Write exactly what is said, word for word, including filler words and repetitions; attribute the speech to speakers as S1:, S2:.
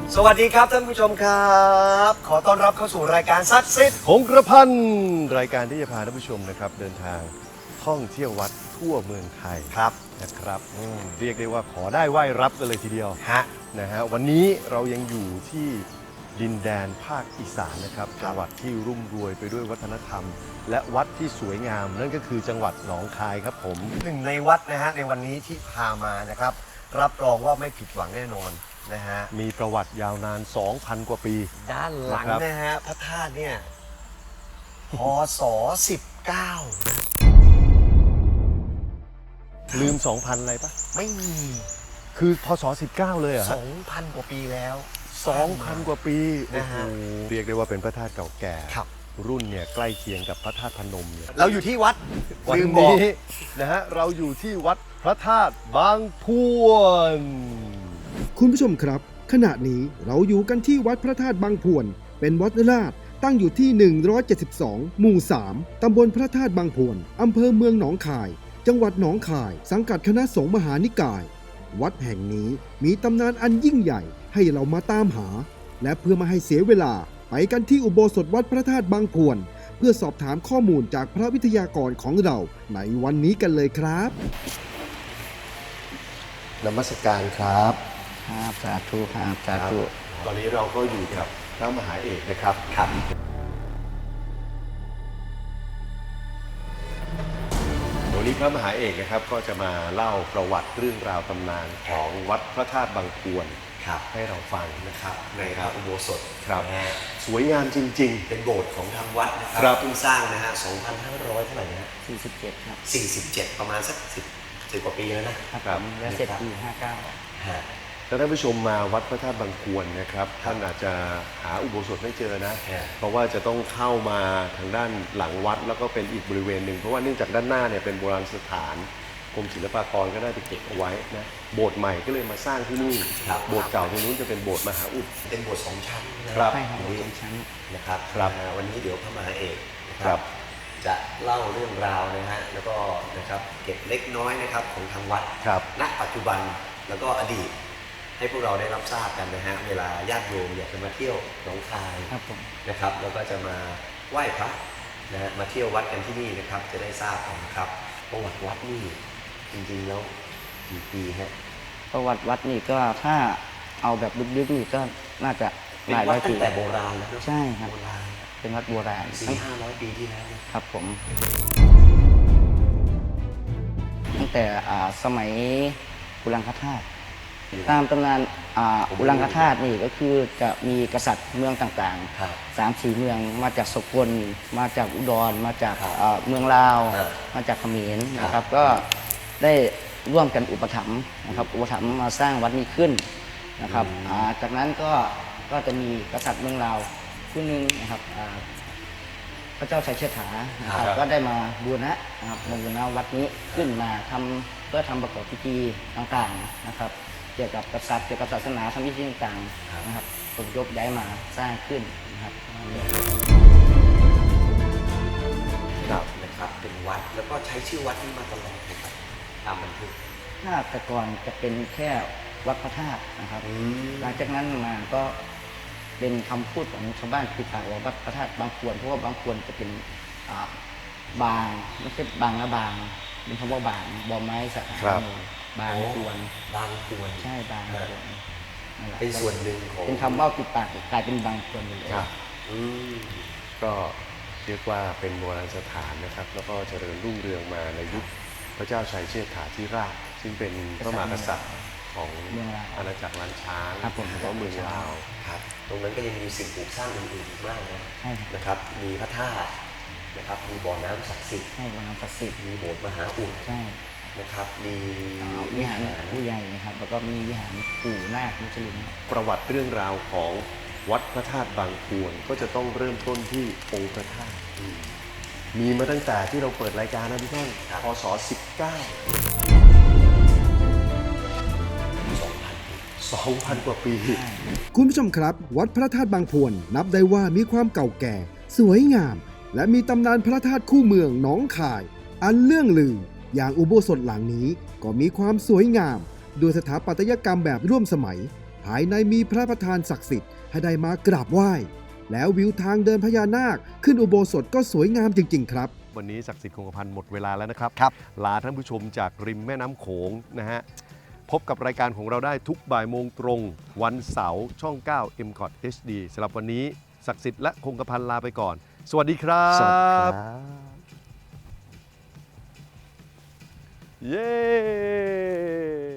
S1: สวัสดีครับท่านผู้ชมครับขอต้อนรับเข้าสู่รายการซักซิด
S2: หงกระพันรายการที่จะพาท่านผู้ชมนะครับเดินทางท่องเที่ยววัดทั่วเมืองไทยครับนะครับเรียกได้ว่าขอได้ไหว้รับกันเลยทีเดียวฮะนะฮะวันนี้เรายังอยู่ที่ดินแดนภาคอีสานนะครับจังหวัดที่รุ่มรวยไปด้วยวัฒนธรรม และวัดที่สวยงามนั่นก็คือจังหวัดหนองคายครับผม
S1: หนึ่งในวัดนะฮะในวันนี้ที่พามานะครับรับรองว่าไม่ผิดหวังแน่นอนนะฮะ
S2: มีประวัติยาวนาน สองพัน กว่าปี
S1: ด้านหลังนะฮะพระธาตุเนี่ยพ.ศ. สิบเก้า
S2: ลืม สองพัน อะไรปะ
S1: ไม่มี
S2: คือพ.ศ. สิบเก้าเลยเหรอ
S1: สองพัน กว่าปีแล้ว
S2: สองพัน กว่าปี
S1: นะฮะ
S2: เรียกได้ว่าเป็นพระธาตุเก่าแก่
S1: ครับ
S2: รุ่นเนี่ยใกล้เคียงกับพระธาตุพนมเนี่ย
S1: เราอยู่ที่วัด
S2: วันนี้นะฮะเราอยู่ที่วัดพระธาตุบางพวน
S3: คุณผู้ชมครับขณะนี้เราอยู่กันที่วัดพระธาตุบางพวนเป็นวัดราชตั้งอยู่ที่หนึ่งร้อยเจ็ดสิบสองหมู่สามตำบลพระธาตุบางพวนอำเภอเมืองหนองคายจังหวัดหนองคายสังกัดคณะสงฆ์มหานิกายวัดแห่งนี้มีตำนานอันยิ่งใหญ่ให้เรามาตามหาและเพื่อมาให้เสียเวลาไปกันที่อุโบสถวัดพระธาตุบางพวนเพื่อสอบถามข้อมูลจากพระวิทยากรของเราในวันนี้กันเลยครับ
S1: นมัสการครับ
S4: ครับสาธุครับสาธุ
S2: ตอนนี้เราก็อยู่กับพระมหาเอกนะครับ
S1: ครับ
S2: วันนี้พระมหาเอกนะครับก็จะมาเล่าประวัติเรื่องราวตำนานของวัดพระธาตุบางพวนให้เราฟังนะครับ
S1: ในพระอุโบสถ
S2: ครับสวยงามจริงๆ
S1: เป็นโบสถ์ของทางวัดนะครับเพิ่งสร้างนะฮะสองพันห้าร้อยเท่าไหร่นะ
S4: สี่สิบเจ็ดครับ
S1: สี่สิบเจ็ดประมาณสักสิบสิบกว่าปีแล้วนะครับ
S4: แล้วเสร็จปีห้าเก้า
S2: ถ้าท่านผู้ชมมาวัดพระธาตุบางพวนนะครับท่านอาจจะหาอุโบสถไม่เจอนะเพราะว่าจะต้องเข้ามาทางด้านหลังวัดแล้วก็เป็นอีกบริเวณหนึ่งเพราะว่าเนื่องจากด้านหน้าเนี่ยเป็นโบราณสถานกรมศิลปากรก็ได้ไปเก็บเอาไว้นะโบสถ์ใหม่ก็เลยมาสร้างที่นี่โบสถ์เก่าตรงนู้นจะเป็นโบสถ์มหาอุด
S1: เป็นโบสถ์สองชั้น
S2: นะครับ
S4: ใช่ครับโบสถ์สองชั้น
S1: นะครับครับวันนี้เดี๋ยวพระมหาเอกนะครับจะเล่าเรื่องราวนะฮะแล้วก็นะครับเก็บเล็กน้อยนะครับของทางวัดณปัจจุบันแล้วก็อดีตให้พวกเราได้รับทราบกันนะฮะเวลาญาติโยมอยากจะมาเที่ยวหนองคายนะครับแล้วก็จะมาไหว้พระนะฮะมาเที่ยววัดกันที่นี่นะครับจะได้ทราบกันครับประวัติวัดนี่จริงๆแล้วกี่ปีฮะ
S4: ประวัติวัดนี่ก็ถ้าเอาแบบลึกๆนี่ก็น่าจะหลายร้อยปี
S1: ตั้งแต่โบราณแล้ว
S4: ใช่ครับเป็นวัดโบราณ
S1: สี่ห้าร้อยปีที่แล้ว
S4: ครับผมตั้งแต่สมัยอุลังคธาตุตามตำนานอุลังคธาตุนี่ก็คือจะมีกษัตริย์เมืองต่างๆสามสี่เมืองมาจากสกลมาจากอุดรมาจากเมืองลาวมาจากเขมรนะครับก็ได้ร่วมกันอุปถัมภ์นะครับอุปถัมภ์มาสร้างวัดนี้ขึ้นนะครับจากนั้นก็ก็จะมีกษัตริย์เมืองลาวผู้หนึ่งนะครับพระเจ้าชัยเชษฐานะครับก็ได้มาบูรณะนะครับบูรณะวัดนี้ขึ้นมาทำเพื่อทำประกอบพิธีต่างๆนะครับเกี่ยวกับกษัตริย์เกี่ยวกับศาสนาทำพิธีต่างๆนะครับผมยกย้ายมาสร้างขึ้นนะครับ
S1: ครับนะครับเป็นวัดแล้วก็ใช้ชื่อวัดนี้มาตลอดนะครับตามบันทึก
S4: ถ้าแต่ก่อนจะเป็นแค่วัดพระธาตุนะครับหลังจากนั้นมาก็เป็นคำพูดของชาวบ้านติดปากว่าวัดพระธาตุบางพวนเพราะว่าบางพวนจะเป็นบางไม่ใช่บางนะบางเป็นคำว่าบางบ่อไม้สักบางพวน
S1: บางพวน
S4: ใช่บางพวน
S1: เป็นส่วนหนึ่งของ
S4: เป็นคำว่าติดปากกลายเป็นบางพวนเลย
S2: ก็เรียกว่าเป็นโบราณสถานนะครับแล้วก็เจริญรุ่งเรืองมาในยุคพระเจ้าชัยเชษฐาธิราชซึ่งเป็นพระมหากษัตริย์ของอาณาจักรล้านช้างแล้วก็เมืองลาว
S1: ครับตรงนั้นก็ยังมีสิ่งปลูกสร้างอื่นๆอีกมากนะนะครับมีพระธาตุนะครับมีบ่อน้ำศักดิ์สิทธิ์
S4: ใช่บ่อน้ำศักดิ์สิทธิ์
S1: มีโบสถ์มหาอุด
S4: ใช่
S1: นะครับมี
S4: วิหารผู้ใหญ่นะครับแล้วก็มีวิหารปู่นาคมุจลิน
S2: ประวัติเรื่องราวของวัดพระธาตุบางพวนก็จะต้องเริ่มต้นที่องค์พระธาตุมีมาตั้งแต่ที่เราเปิดรายการนะพี่ท่านพ.ศ. สิบเก้าสองพัน กว่าปี
S3: คุณผู้ชมครับวัดพระธาตุบางพวนนับได้ว่ามีความเก่าแก่สวยงามและมีตำนานพระธาตุคู่เมืองหนองคายอันเลื่องลืออย่างอุโบสถหลังนี้ก็มีความสวยงามด้วยสถาปัตยกรรมแบบร่วมสมัยภายในมีพระประธานศักดิ์สิทธิ์ให้ได้มากราบไหว้แล้ววิวทางเดินพญานาคขึ้นอุโบสถก็สวยงามจริงๆครับ
S2: วันนี้ศักดิ์สิทธิ์คงกระพันหมดเวลาแล้วนะครับ
S1: ครับ
S2: ลาท่านผู้ชมจากริมแม่น้ำโขงนะฮะพบกับรายการของเราได้ทุกบ่ายโมงตรง วันเสาร์ช่อง เก้า เอ็ม คอท เอช ดี สำหรับวันนี้ศักดิ์สิทธิ์และคงกระพันลาไปก่อน สวัสดีครับ
S1: สวัสดีครับ
S2: เย้